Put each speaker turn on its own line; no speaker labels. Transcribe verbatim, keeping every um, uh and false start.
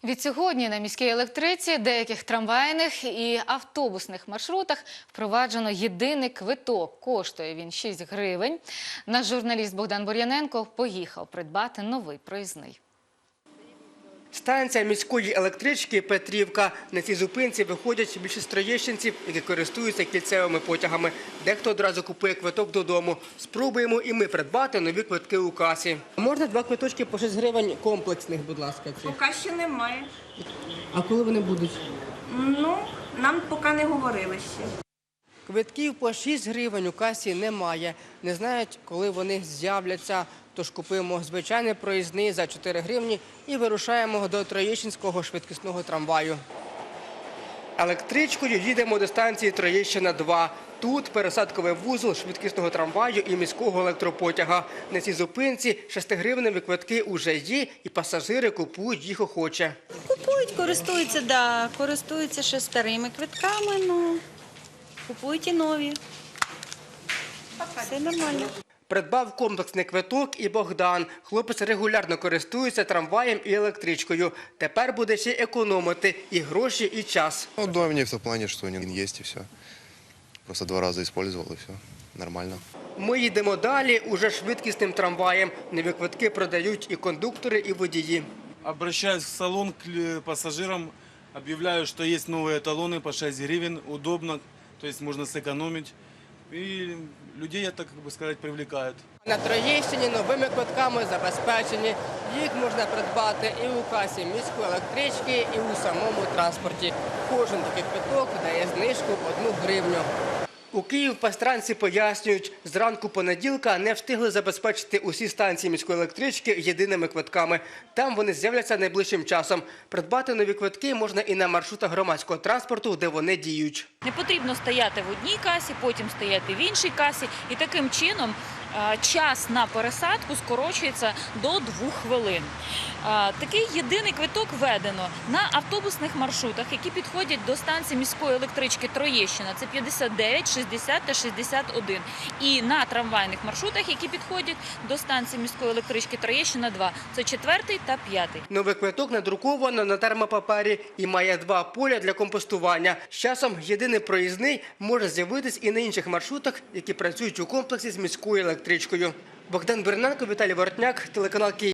Відсьогодні на міській електриці, деяких трамвайних і автобусних маршрутах впроваджено єдиний квиток. Коштує він шість гривень. Наш журналіст Богдан Бур'яненко поїхав придбати новий проїзний.
Станція міської електрички Петрівка. На цій зупинці виходять більшість троєщинців, які користуються кільцевими потягами. Дехто одразу купує квиток додому. Спробуємо і ми придбати нові квитки у касі. Можна два квиточки по шість гривень комплексних, будь ласка.
Поки ще немає.
А коли вони будуть?
Ну, нам поки не говорили ще.
Квитків по шість гривень у касі немає. Не знають, коли вони з'являться. Тож купуємо звичайний проїзний за чотири гривні і вирушаємо до Троєщинського швидкісного трамваю. Електричкою їдемо до станції Троєщина два. Тут пересадковий вузол швидкісного трамваю і міського електропотяга. На цій зупинці шестигривневі квитки вже є, і пасажири купують їх охоче.
Купують, користуються, да, користуються ще старими квитками, ну, купують і нові. Все нормально.
Придбав комплексний квиток і Богдан. Хлопець регулярно користується трамваєм і електричкою. Тепер буде ще економити і гроші, і час.
Удобнее в том плане, что он есть и все. Просто два раза использовал и все. Нормально.
Ми їдемо далі уже швидкісним трамваєм. Нові квитки продають і кондуктори, і водії.
Обращаюсь в салон к пассажирам, объявляю, что есть новые талоны по шесть гривен, удобно, то есть можно сэкономить. И людей, я так как бы сказать, привлекают.
На Троєщині новими квитками забезпечені. Їх можна придбати і у касі міської електрички, і у самому транспорті. Кожен такий квиток дає знижку в одну гривню. У Київпастранці пояснюють, зранку понеділка не встигли забезпечити усі станції міської електрички єдиними квитками. Там вони з'являться найближчим часом. Придбати нові квитки можна і на маршрутах громадського транспорту, де вони діють.
Не потрібно стояти в одній касі, потім стояти в іншій касі. І таким чином час на пересадку скорочується до двох хвилин. Такий єдиний квиток введено на автобусних маршрутах, які підходять до станції міської електрички Троєщина. Це п'ятдесят дев'ять, шістдесят та шістдесят один. І на трамвайних маршрутах, які підходять до станції міської електрички Троєщина два. Це четвертий та п'ятий.
Новий квиток надруковано на термопапері і має два поля для компостування. З часом єдиний проїзний може з'явитись і на інших маршрутах, які працюють у комплексі з міською електричкою. Богдан Бур'яненко, Віталій Воротняк, телеканал Київ.